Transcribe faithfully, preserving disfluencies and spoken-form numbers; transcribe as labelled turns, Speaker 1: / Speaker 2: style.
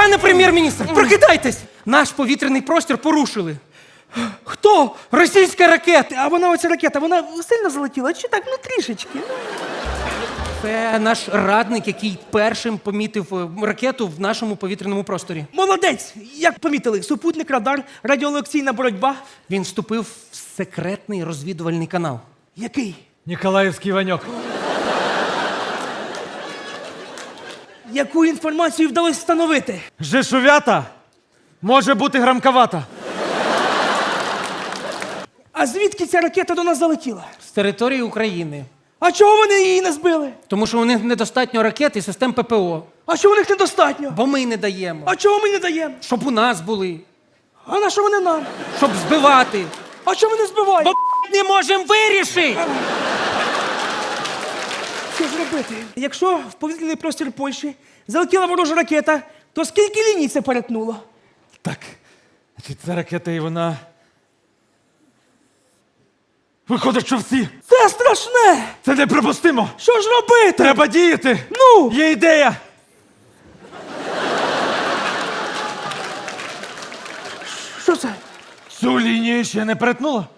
Speaker 1: Пане прем'єр-міністр, прокидайтесь! Наш повітряний простір порушили.
Speaker 2: Хто?
Speaker 1: Російська ракета!
Speaker 2: А вона оця ракета, вона сильно залетіла? Чи так, ну трішечки?
Speaker 1: Це наш радник, який першим помітив е, ракету в нашому повітряному просторі.
Speaker 2: Молодець! Як помітили, супутник, радар, радіолекційна боротьба.
Speaker 1: Він вступив в секретний розвідувальний канал.
Speaker 2: Який?
Speaker 3: Ніколаївський Ваньок.
Speaker 2: Яку інформацію вдалося встановити?
Speaker 3: Жешувята може бути грамковата.
Speaker 2: А звідки ця ракета до нас залетіла?
Speaker 1: З території України.
Speaker 2: А чого вони її не збили?
Speaker 1: Тому що у них недостатньо ракет і систем ППО.
Speaker 2: А чого у них недостатньо?
Speaker 1: Бо ми не даємо.
Speaker 2: А чого ми не даємо?
Speaker 1: Щоб у нас були.
Speaker 2: А на що вони нам?
Speaker 1: Щоб збивати.
Speaker 2: А чого вони збивають?
Speaker 1: Бо не можемо вирішити.
Speaker 2: Що ж робити? Якщо в повітряний простір Польщі залетіла ворожа ракета, то скільки ліній це перетнуло?
Speaker 3: Так, значить, ця ракета і вона... Виходить, що всі.
Speaker 2: Це страшне!
Speaker 3: Це неприпустимо.
Speaker 2: Що ж робити?
Speaker 3: Треба діяти.
Speaker 2: Ну!
Speaker 3: Є ідея.
Speaker 2: Що це?
Speaker 3: Цю лінію ще не перетнула.